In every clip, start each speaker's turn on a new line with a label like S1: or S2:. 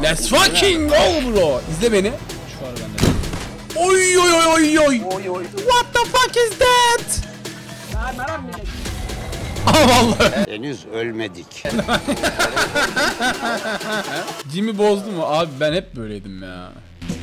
S1: Let's fucking go bro. İzle beni. Şu var bende. Oy oy oy oy oy. What the fuck is that? Aa vallahi.
S2: Henüz ölmedik.
S1: Jimmy bozdu mu? Abi ben hep böyleydim ya.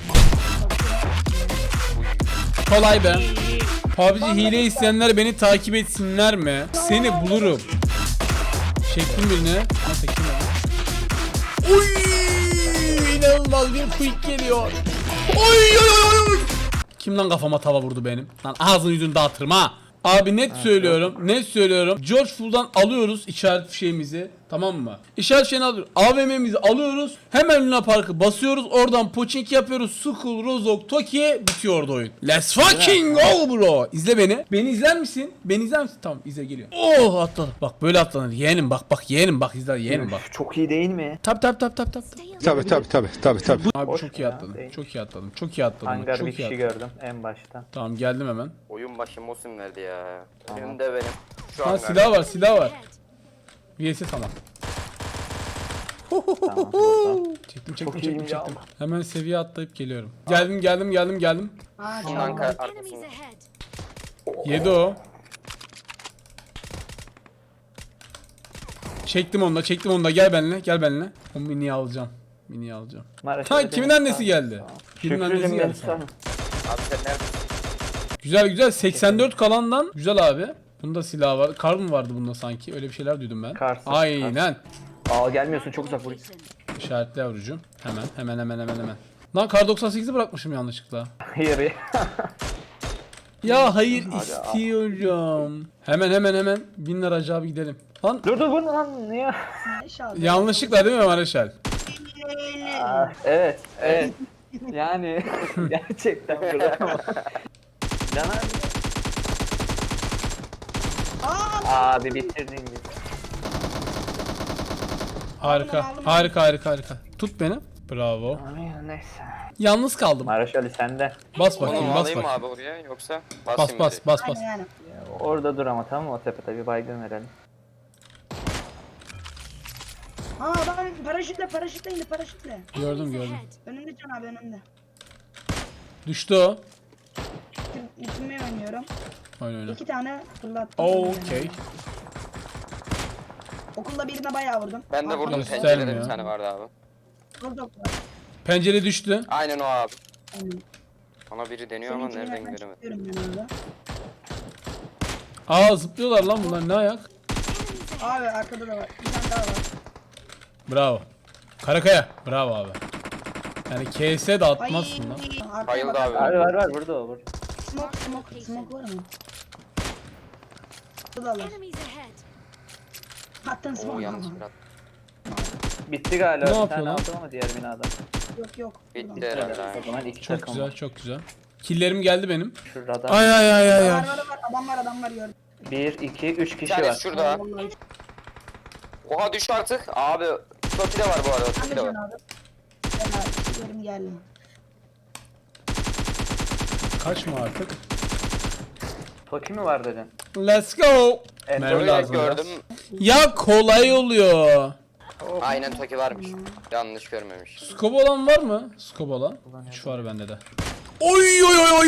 S1: Kolay be. PUBG hile isteyenler beni takip etsinler mi? Seni bulurum. Çektim birine. Nasıl kim o? Oy! İnanılmaz bir quick geliyor. Oy oy oy oy. Kim lan kafama tava vurdu benim? Lan ağzını yüzünü dağıtırım ha. Abi net söylüyorum, net söylüyorum. George Full'dan alıyoruz işaret fişeğimizi, tamam mı? İşaret fişeğini alıyoruz, AVM'mizi alıyoruz. Hemen Luna Park'ı basıyoruz, oradan poçink yapıyoruz. Skull, Rozok, Toki, bitiyor orada oyun. Let's fucking go bro. İzle beni. Beni izler misin? Beni izler misin? Tamam, izle geliyor. Oh atladım. Bak böyle atlanır. Yeğenim bak yeğenim bak izle yeğenim bak.
S3: Çok iyi değil mi?
S1: Tabi.
S2: Tabii.
S1: Abi
S3: Boş
S1: çok iyi
S3: ya,
S1: atladım.
S3: değil.
S1: Çok iyi atladım. Çok iyi atladım.
S3: Hangar
S1: Çok
S3: bir
S1: iyi
S3: kişi
S1: atladım.
S3: gördüm en başta.
S1: Tamam geldim hemen.
S4: Oyun başı Mosin verdi ya.
S3: Tamam.
S4: Önümde benim. Şu
S1: Ha
S4: an
S1: silah var. VS tamam.
S3: Tamam burada.
S1: Çektim.
S3: iyiyim ya.
S1: Hemen seviye atlayıp geliyorum. Geldim.
S4: Şundan
S5: Enemies
S4: arkasında.
S5: ahead.
S1: Yedi o. Çektim onu da gel benimle. O miniyi alacağım.
S3: Maraş
S1: Ha
S3: öyle
S1: kimin
S3: değil.
S1: annesi geldi? Kimin annesi
S3: Şükrü'cüm
S1: geldi?
S3: geldi sana.
S4: Abi sen neredesin?
S1: Güzel 84 kalandan güzel abi. Bunda silah var. Kar mı vardı bunda sanki? Öyle bir şeyler duydum ben.
S3: Karsız,
S1: Aynen.
S3: Aa gelmiyorsun çok uzak buraya.
S1: İşaretli yavrucuğum. Hemen. Lan kar 98'i bırakmışım yanlışlıkla.
S3: Hayır ya.
S1: Ya hayır istiyorum. Hemen. 1000 lira acaba gidelim. Lan
S3: Dur bu ne lan niye?
S1: yanlışlıkla değil mi Mareşal?
S3: Evet. Yani gerçekten bırakamam. Caner. Abi bitirdin gibi.
S1: Harika. Tut beni. Bravo.
S3: Ay, neyse.
S1: Yalnız kaldım.
S3: Maraş Ali sende.
S1: Bas
S4: Onu
S1: bakayım,
S4: alayım mı abi oraya yoksa basayım mı?
S1: Bas.
S3: Orada dur ama tamam mı? O tepede bir baygın verelim.
S6: Aa adam paraşütle indi paraşütle.
S1: Gördüm.
S6: Önümde Can abi önümde.
S1: Düştü o.
S6: Bitirmeye oynuyorum.
S1: Oyna.
S6: 2 tane fırlattım.
S1: Okey.
S6: Okulda birine bayağı vurdum.
S4: Ben de vurdum,
S1: Göstermiyor.
S4: pencerede bir tane vardı abi.
S6: Vurdum.
S1: Pencere düştü.
S4: Aynen o abi.
S6: Aynen.
S4: Bana biri deniyor ama
S6: Seninkini
S4: nereden
S6: ben
S4: göremedim.
S6: çıkıyorum ben orada.
S1: Aa zıplıyorlar lan bunlar ne ayak?
S6: Abi arkada da var. Bir tane daha var.
S1: Bravo. Karakaya. Bravo abi. Yani KS de atmazsın lan.
S6: Arkaya
S4: Bayıldı
S6: bak.
S4: abi.
S3: Var burada o burada.
S6: Smoke var mı? Bu da var.
S5: Enemies ahead.
S6: Attın
S4: Oo
S6: smoke.
S4: yanlış bir at.
S3: Bitti galiba.
S1: Ne
S3: Bir
S1: yapıyor
S3: tane
S1: lan?
S3: aldım ama diğer binada.
S6: Yok.
S4: Bitti herhalde.
S3: O zaman iki
S1: Çok
S3: takım
S1: güzel,
S3: var.
S1: çok güzel. Killerim geldi benim.
S3: Şurada
S1: Ay.
S6: Var. Adam var gördüm.
S3: 1, 2, 3
S4: Bir
S3: kişi
S4: tane
S3: var.
S4: şurada.
S6: Vallahi.
S4: Oha düş artık. Abi Toki de var bu arada.
S6: Ben
S4: Toki
S6: de
S4: de
S6: Can
S4: var.
S6: abi. Gel abi. Geldim.
S1: Kaçma artık.
S3: Toki mi var dedin?
S1: Let's go.
S3: Evet,
S1: Mermi
S4: Öyle
S1: lazım
S4: gördüm.
S1: Ya kolay oluyor.
S4: Aynen Toki varmış. Yanlış görmemiş.
S1: Scope olan var mı? Scope olan. 3 var bende de.
S3: Oy.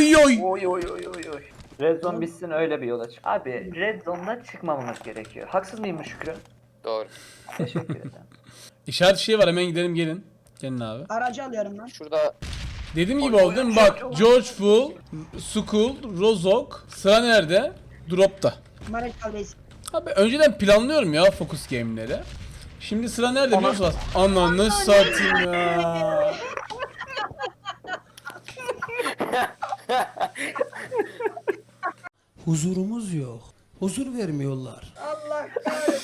S3: Red Zone bitsin öyle bir yola çık. Abi Red Zone'da çıkmamamız gerekiyor. Haksız mıyım bu Şükrü?
S4: Doğru.
S3: Teşekkür ederim.
S1: İşaret şey var hemen gidelim gelin. Gelin abi.
S6: Aracı alıyorum ben.
S4: Şurada
S1: Dediğim gibi oldu değil mi? Bak George Full, Skull, Rozok. Sıra nerede? Drop'ta.
S6: Maraş Albeys.
S1: Abi önceden planlıyorum ya focus game'leri. Şimdi sıra nerede biliyor musunuz? Ananı satayım ya.
S7: Huzurumuz yok. Huzur vermiyorlar.
S6: Allah kahretsin.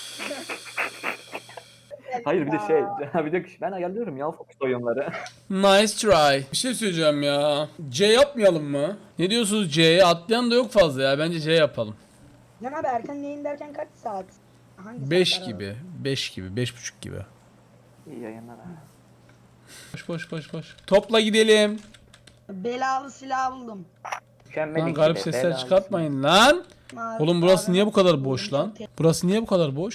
S3: Hayır bir de bir de ben ayarlıyorum ya Fox oyunları.
S1: Nice try. Bir şey söyleyeceğim ya. C yapmayalım mı? Ne diyorsunuz C'ye? Atlayan da yok fazla ya. Bence C yapalım.
S6: Can abi erken yayın derken kaç saat? Hangi
S1: 5
S6: saatler
S1: gibi. 5 gibi. 5.5 gibi.
S3: İyi yayınlar abi.
S1: Koş. Topla gidelim.
S6: Belalı silah buldum.
S3: Mükemmel
S1: Lan
S3: ikili,
S1: garip sesler
S3: belalı.
S1: çıkartmayın lan.
S6: Abi,
S1: Oğlum burası
S6: abi,
S1: niye bu kadar boş lan? Burası niye bu kadar boş?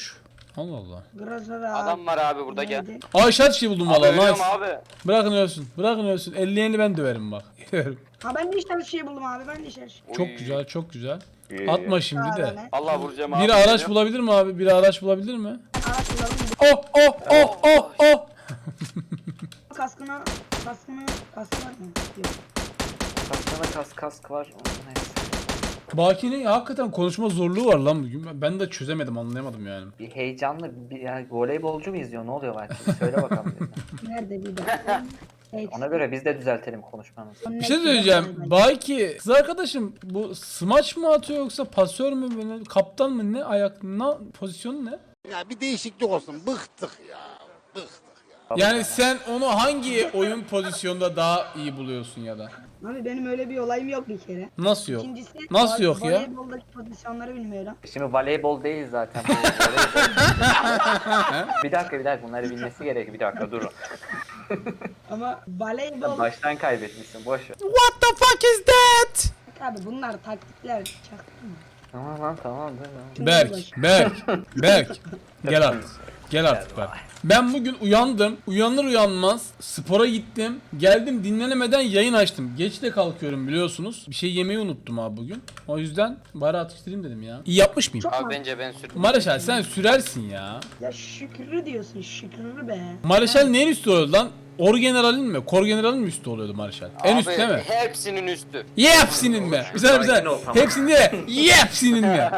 S1: Allah Allah.
S6: Grozara.
S4: Adam var abi burada, gel.
S6: Neydi?
S1: Aa işaret şey buldum
S4: Abi
S1: valla.
S4: ölüyorum
S1: Nice.
S4: abi.
S1: Bırakın ölsün. Bırakın ölsün. 50'yeni ben döverim bak.
S6: Ha ben de işte her şeyi buldum abi. Ben de işte her şeyi.
S1: Çok
S4: Uy.
S1: güzel, çok güzel. Atma şimdi de.
S6: Abi,
S4: Allah vuracağım abi.
S1: Biri araç bulabilir mi abi? Biri araç bulabilir mi?
S6: araç bulalım.
S1: Oh oh oh oh oh.
S6: Kaskı var mı? Yok.
S3: Kaskana kask var. Neyse.
S1: Baki'nin hakikaten konuşma zorluğu var lan bugün. Ben de çözemedim, anlayamadım yani.
S3: Bir heyecanlı bir yani voleybolcu mu izliyor? Ne oluyor belki? Söyle bakalım. bize.
S6: Nerede bir de?
S3: Ona göre biz de düzeltelim konuşmamızı.
S1: Bir şey söyleyeceğim. Baki kız arkadaşım bu smaç mı atıyor yoksa pasör mü, böyle kaptan mı, ne ayak, ne pozisyonu ne?
S2: Ya bir değişiklik olsun. Bıktık ya. Bıktık.
S1: Yani sen onu hangi oyun pozisyonda daha iyi buluyorsun ya da?
S6: Abi benim öyle bir olayım yok bir kere.
S1: Nasıl yok?
S6: İkincisi
S1: Nasıl yok ya?
S6: voleyboldaki pozisyonları bilmiyorum.
S3: Şimdi voleybol değil zaten. Bu voleybol. Bir dakika bunları bilmesi gerekiyor. Bir dakika durun.
S6: Ama voleybol...
S3: Baştan kaybetmişsin boş ver.
S1: What the fuck is that?
S6: Abi bunlar taktikler. Çaktın mı?
S3: Tamam lan tamam dur lan.
S1: Berk. Gel artık. Gel artık Berk. Ben bugün uyandım. Uyanır uyanmaz spora gittim. Geldim, dinlenemeden yayın açtım. Geç de kalkıyorum biliyorsunuz. Bir şey yemeyi unuttum abi bugün. O yüzden bari atıştırayım dedim ya. İyi yapmış mıyım?
S4: Abi bence ben sürdüm.
S1: Mareşal sen sürersin ya.
S6: Ya Şükrü diyorsun Şükrü be.
S1: Mareşal neyin üstü oluyordu lan? Orgeneralin mi? Korgeneralin mi üstü oluyordu Mareşal? En üst değil mi?
S4: Hepsinin üstü.
S1: Hepsinin mi? Güzel. Hepsinin de hepsinin mi?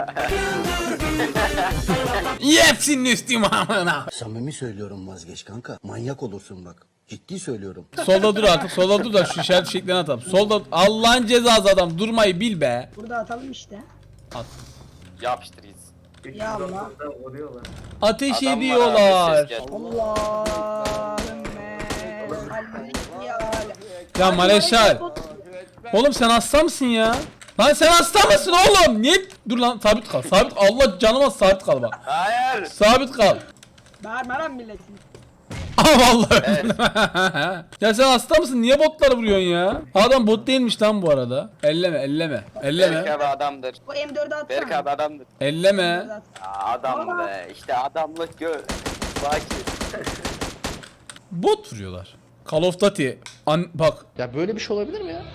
S1: Hepsinin üstüyüm amına.
S7: Samimi söylüyorum, vazgeç kanka. Manyak olursun bak. Ciddi söylüyorum.
S1: Solda dur artık. Solda dur da şu işaret şeklini atalım. Solda Allah'ın cezası adam, durmayı bil be.
S6: Burada atalım işte.
S4: Yapıştır gitsin.
S6: Ya Allah.
S3: Vuruyorlar.
S1: Ateş
S4: Adam var abi,
S1: ediyorlar.
S4: ses geldi.
S6: Allahümme salli ala.
S1: Ya Mareşal. Oğlum sen hasta mısın ya? Lan sen hasta mısın oğlum? Niye? Dur lan, sabit kal. Sabit, Allah canıma sabit kal bak.
S4: Hayır.
S1: Sabit kal.
S6: Bağırma lan milletin.
S1: Aa vallahi. Ya sen hasta mısın? Niye botları vuruyorsun ya? Adam bot değilmiş lan bu arada. Elleme.
S4: Berk abi adamdır.
S6: O M4'ü atsana.
S4: Berk abi adamdır.
S1: Elleme.
S6: M4'ü at.
S4: Adam be. İşte adamlık gör. Baki.
S1: Bot vuruyorlar. Call of Duty. Bak.
S2: Ya böyle bir şey olabilir mi ya?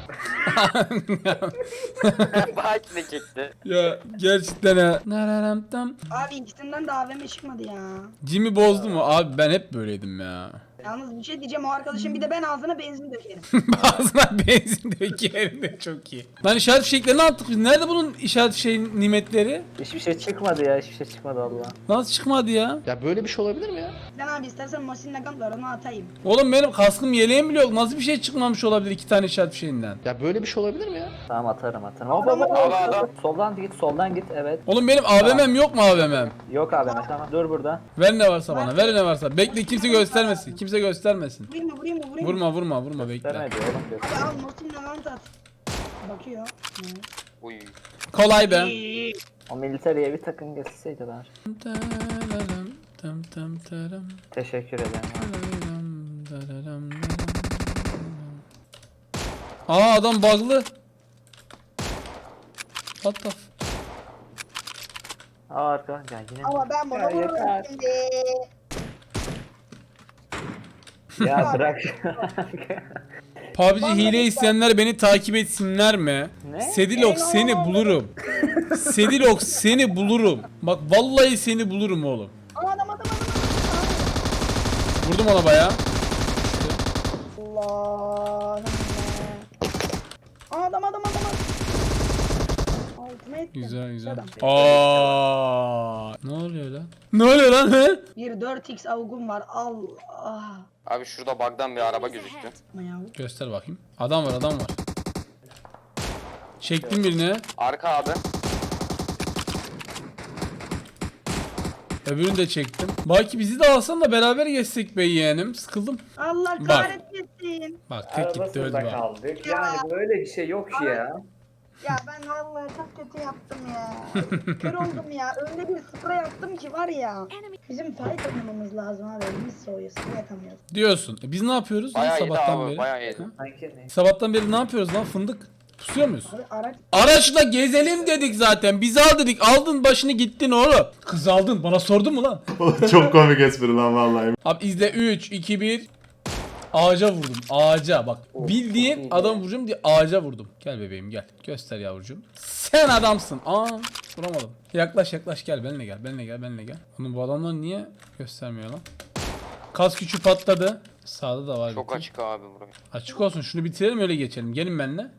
S4: Baki de çekti.
S1: Ya gerçekten ha. Nararamtam.
S6: Abi ikisinden de AVM çıkmadı ya.
S1: Jimmy bozdu mu? Abi ben hep böyleydim ya.
S6: Yalnız bir şey diyeceğim, o arkadaşım bir de ben ağzına benzin dökerim.
S1: Ağzına benzin dökerim de çok iyi. Lan işaret fişeklerini attık biz. Nerede bunun işaret nimetleri?
S3: Hiçbir şey çıkmadı ya. Hiçbir şey çıkmadı Allah.
S1: Nasıl çıkmadı ya?
S2: Ya böyle bir şey olabilir mi ya?
S6: Sen abi istersen Mosin Nagant var, onu atayım.
S1: Oğlum benim kaskım yeleğim bile yok. Nasıl bir şey çıkmamış olabilir iki tane işaret fişeğinden?
S2: Ya böyle bir şey olabilir mi ya?
S3: Tamam atarım. Hop. Soldan git evet.
S1: Oğlum benim AVM'm yok mu AVM'm?
S3: Yok abi tamam dur burada.
S1: Ver ne varsa bana. Ver ne varsa. Bekle, kimse göstermesin. Kimse göstermesin.
S6: Vurayım mı?
S1: Vurma bekle.
S3: Vermedi oğlum.
S6: Abi al Mosin Nagant at. Bakıyor.
S4: Uy.
S1: Kolay be.
S3: O militeriye bir takım geçseydi ben. Teşekkür ederim.
S1: Aa adam bug'lı. What the
S3: Arka ya yine.
S6: Ama ben bunu vururum şimdi.
S3: Ya bırak.
S1: PUBG hile isteyenler beni takip etsinler mi?
S3: Ne?
S1: Sedilok seni bulurum. Sedilok seni bulurum. Bak vallahi seni bulurum oğlum.
S6: Adam.
S1: Vurdum ona bayağı.
S6: Allah'ım. Adam. Altıma ettim.
S1: Güzel.
S6: Adam.
S1: Aa, ne oluyor lan? Ne oluyor lan he?
S6: Bir 4x avgum var. Allah.
S4: Abi şurada bug'dan bir araba gözüktü.
S6: Yapma ya.
S1: Göster bakayım. Adam var. Çektim birini.
S4: Arka abi.
S1: Öbürünü de çektim. Belki bizi de alsan da beraber geçsek be yeğenim. Sıkıldım.
S6: Allah
S1: Bak.
S6: kahretmesin.
S1: Bak tek gitti öldü bak.
S3: kaldık. Yani böyle bir şey yok ki ya.
S6: Ya ben vallahi çok kötü yaptım ya. Kör oldum ya. Öyle bir sprey attım ki var ya. Bizim fight oynamamız lazım abi. Elimiz soğuyor. Sprey atamıyoruz.
S1: Diyorsun. Biz ne yapıyoruz lan
S4: Bayağı iyiydi
S1: sabahtan
S4: abi,
S1: beri?
S4: bayağı iyiydi.
S1: Ha?
S3: Sanki ne?
S1: Sabahtan beri ne yapıyoruz lan fındık? Pusuyor muyuz?
S6: Abi araç
S1: Araçla gezelim dedik zaten. Biz al dedik. Aldın başını gittin oğlum. Kız aldın. Bana sordun mu lan?
S5: Çok komik espri lan vallahi.
S1: Abi izle 3, 2, 1. Ağaca vurdum. Ağaca bak.
S3: Of,
S1: Bildiğin
S3: çok iyi
S1: adam
S3: be.
S1: vuracağım diye ağaca vurdum. Gel bebeğim gel. Göster yavrucuğum. Sen adamsın. Aa vuramadım. Yaklaş yaklaş gel. Benimle gel. Benimle gel. Benimle gel. Oğlum bu adamlar niye göstermiyor lan? Kas küçü patladı. Sağda da var.
S4: Çok
S1: bir tek.
S4: açık abi burası.
S1: Açık olsun. Şunu bitirelim öyle geçelim. Gelin benimle.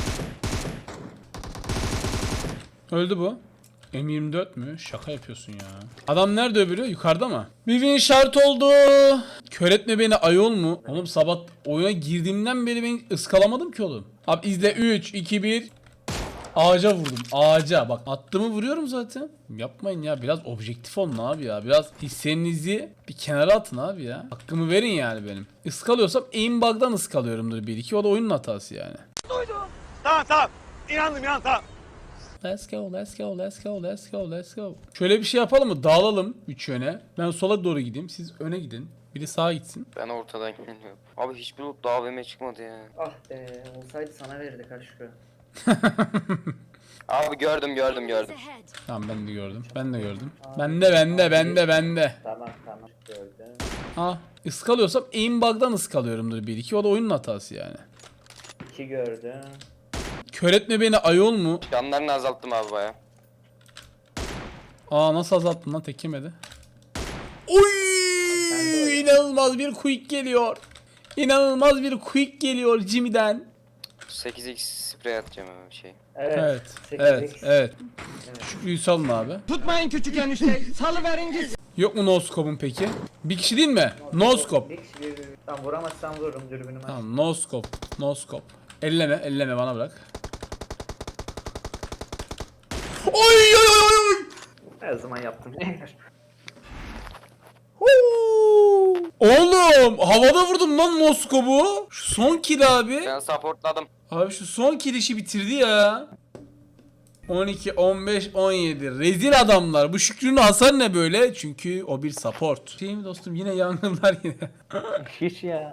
S1: Öldü bu. M24 mü? Şaka yapıyorsun ya. Adam nerede öbürü? Yukarıda mı? Bir win şart oldu. Kör etme beni ayol mu? Oğlum sabah oyuna girdiğimden beri beni ıskalamadım ki oğlum. Abi izle 3, 2, 1. Ağaca vurdum. Ağaca. Bak attığımı vuruyorum zaten. Yapmayın ya. Biraz objektif olun abi ya. Biraz hislerinizi bir kenara atın abi ya. Hakkımı verin yani benim. Iskalıyorsam aimbug'dan ıskalıyorumdur bir iki. O da oyunun hatası yani.
S2: Tamam. İnandım tamam.
S1: Let's go, let's go, let's go, let's go, let's go. Şöyle bir şey yapalım mı? Dağılalım 3 yöne. Ben sola doğru gideyim. Siz öne gidin. Biri sağa gitsin.
S4: Ben ortadan geliyorum. Abi hiçbir loot daha AVM çıkmadı ya.
S3: Ah be olsaydı sana verirdik aşkı.
S4: Abi gördüm.
S1: Tamam ben de gördüm. Ben de gördüm. Bende.
S3: Tamam gördüm.
S1: Ha, ıskalıyorsam aimbug'dan ıskalıyorumdur bir iki. O da oyunun hatası yani.
S3: 2 gördüm.
S1: Kör etme beni ayol mu?
S4: Canlarını azalttım abi baya.
S1: Aa nasıl azalttın lan tek yemedi. Oy! İnanılmaz bir quick geliyor. İnanılmaz bir quick geliyor Jimmy'den.
S4: 8x sprey atacağım abi şey.
S1: Evet.
S3: 8x.
S1: Evet. Şükrü'yü salın abi.
S8: Tutmayın küçük enişteyi. Salıverin gitsin.
S1: Yok mu no-scope'un peki? Bir kişi değil mi? No-scope.
S3: Bir kişi bir. Tamam vuramazsam vururum dürbünümü.
S1: Tamam no-scope. No-scope. Elleme bana bırak. Oy oy oy oy.
S3: Her zaman yaptım.
S1: Huu! Oğlum havada vurdum lan no-scope'u. Şu son kill abi.
S4: Ben supportladım.
S1: Abi şu son kill işi bitirdi ya. 12, 15, 17. Rezil adamlar. Bu Şükrü'nün hasar ne böyle? Çünkü o bir support. Şey mi dostum yine yangınlar yine.
S3: Hiç ya.